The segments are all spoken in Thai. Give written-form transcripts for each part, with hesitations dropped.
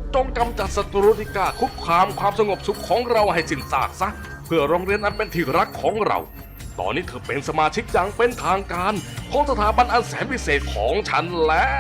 จงกำจัดศัตรูที่กล้าคุกคามความสงบสุขของเราให้สิ้นซากซะเพื่อโรงเรียนอันเป็นที่รักของเราตอนนี้เธอเป็นสมาชิกอย่างเป็นทางการของสถาบันอันแสนพิเศษของฉันแล้ว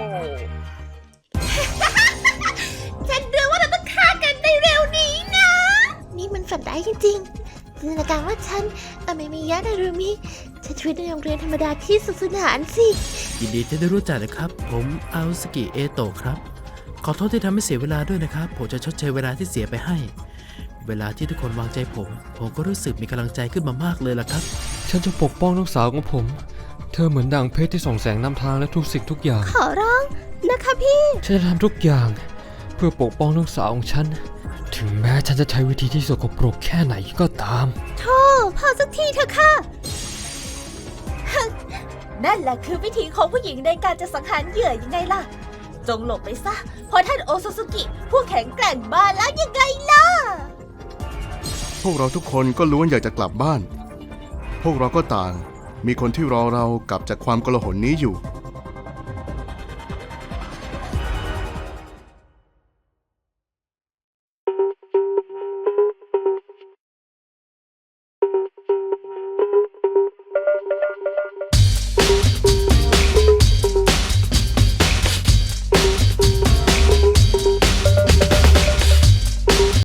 ฉันรู้ว่าเราต้องฆ่ากันในเร็วนี้นะ นี่มันฝันร้ายจริงๆจินตนาการว่าฉันไม่มียะนารุมิใช้ชีวิตในโรงเรียนธรรมดาที่สุขสนานสิยินดีที่ได้รู้จักนะครับ ผมอาอุสกิเอโตะครับ ขอโทษที่ทำให้เสียเวลาด้วยนะครับ ผมจะชดเชยเวลาที่เสียไปให้ เวลาที่ทุกคนวางใจผมก็รู้สึกมีกำลังใจขึ้นมามากเลยล่ะครับฉันจะปกป้องน้องสาวของผม เธอเหมือนดั่งเพชรที่ส่องแสงนำทางและทุกสิ่งทุกอย่างขอร้องนะคะพี่ฉันจะทำทุกอย่างเพื่อปกป้องน้องสาวของฉัน ถึงแม้ฉันจะใช้วิธีที่สกปรกแค่ไหนก็ตามโธ่พอสักทีเถอะค่ะ นั่นแหละคือวิธีของผู้หญิงในการจะสังหารเหยื่อยังไงล่ะ จงหลบไปซะเพราะท่านโอซาสึกิผู้แข็งแกร่งมาแล้วยังไงล่ะพวกเราทุกคนก็ล้วนอยากจะกลับบ้าน พวกเราก็ต่างมีคนที่รอเรากลับจากความโกลาหลนี้อยู่